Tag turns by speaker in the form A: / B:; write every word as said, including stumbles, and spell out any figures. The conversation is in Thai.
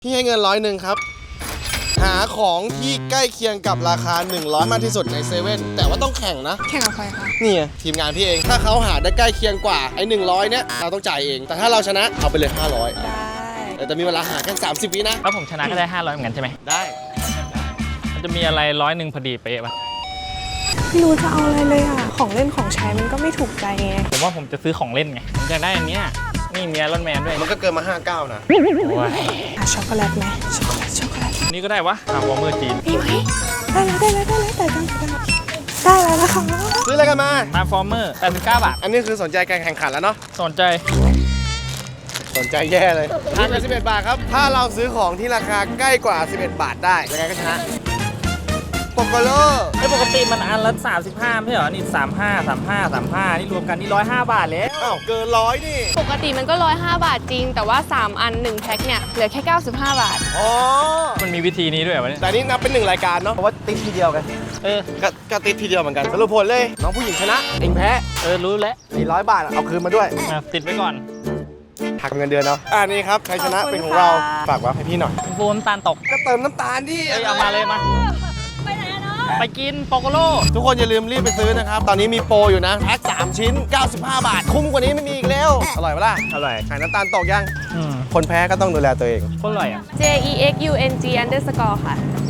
A: พี่ให้เงินร้อยหนึ่งครับหาของที่ใกล้เคียงกับราคาหนึ่งร้อยมากที่สุดในเซเว่นแต่ว่าต้องแข่งนะ
B: แข่งกับใครคะ
A: นี่ไงทีมงานพี่เองถ้าเขาหาได้ใกล้เคียงกว่าไอ้หนึ่งร้อยเนี้ยเราต้องจ่ายเองแต่ถ้าเราชนะเอาไปเลยห้าร้อย
B: ได้
A: แต่มีเวลาหาแค่สามสิบวินะ
C: แล้วผมชนะก็ได้ห้าร้อยเหมือนกันใช่ไหม
A: ได้
C: มันจะมีอะไรร้อยหนึ่งพอดีเป๊ะปะ
B: ไม่รู้จะเอาอะไรเลยอ่ะของเล่นของใช้มันก็ไม่ถูกใจไง
C: ผมว่าผมจะซื้อของเล่นไงผมอยากได้อันเนี้ยนี่มีไอรอนแมนด้วย
A: มันก็เกินมาห้าเก้านะ
C: โอ้ย
B: ช็อกโกแลตไหมช็อกโกแลตช็อกโกแลต
C: นี่ก็ได้วะทำวอร์เมอร์จีน
B: มีไหมได้แล้วได้แล้วได้แล้วแต่จังได้แล้วนะคะ
A: ซื้ออะไรกันมา
C: มาฟอร์เมอร์แปดสิบเก้าบาท
A: อันนี้คือสนใจการแข่งขันแล้วเนาะ
C: สนใจ
A: สนใจแย่เลยราคาสิบเอ็ดบาทครับถ้าเราซื้อของที่ราคาใกล้กว่าสิบเอ็ดบาทได้ยังไงก็ชนะโปโกโล
C: ไอ้ปกติมันอันละสามสิบห้าไม่ใช่เหรอนี่สามห้าสามห้าสามห้านี่รวมกันนี่ร้อยห้าบาทแล้ว
A: อ้าวเกินร้อยนี่
D: ปกติมันก็ร้อยห้าบาทจริงแต่ว่าสามอันหนึ่งแพ็คเนี่ยเหลือแค่เก้าสิบห้าบาท
A: อ๋อ
C: มันมีวิธีนี้ด้วยวะเนี่ย
A: แต่นี่นับเป็นหนึ่งรายการเนาะเพราะว่าติดทีเดียวกัน
C: เออ
A: ก็ก็ติดทีเดียวเหมือนกันสรุปผลเลยน้องผู้หญิงชนะเองแพ้
C: เออรู้แล้ว
A: สี่ร้อยบาทเอาคืนมาด้วย
C: ติดไว้ก่อน
A: หักเงินเดือนเนาะอ่านี่ครับใครชนะเป็นของเราฝากไว้ให้พี่หน่อย
C: โฟมตาลตก
A: ก็เติมน้ำตาลดิ
C: เอ้ยเอามาเลยมาไปไหนเนาะไปกินโปโกโล
A: ทุกคนอย่าลืมรีบไปซื้อนะครับตอนนี้มีโปรอยู่นะแพ็คสามชิ้นเก้าสิบห้าบาทคุ้มกว่านี้ไม่มีอีกแล้วอร่อยปะล่ะ
C: อร่อย
A: ขายน้ำตาลตกยัง
C: อืม
A: คนแพ้ก็ต้องดูแลตัวเอง
C: โคตรอร่อยอ่ะ
D: J E X U N G underscore ค่ะ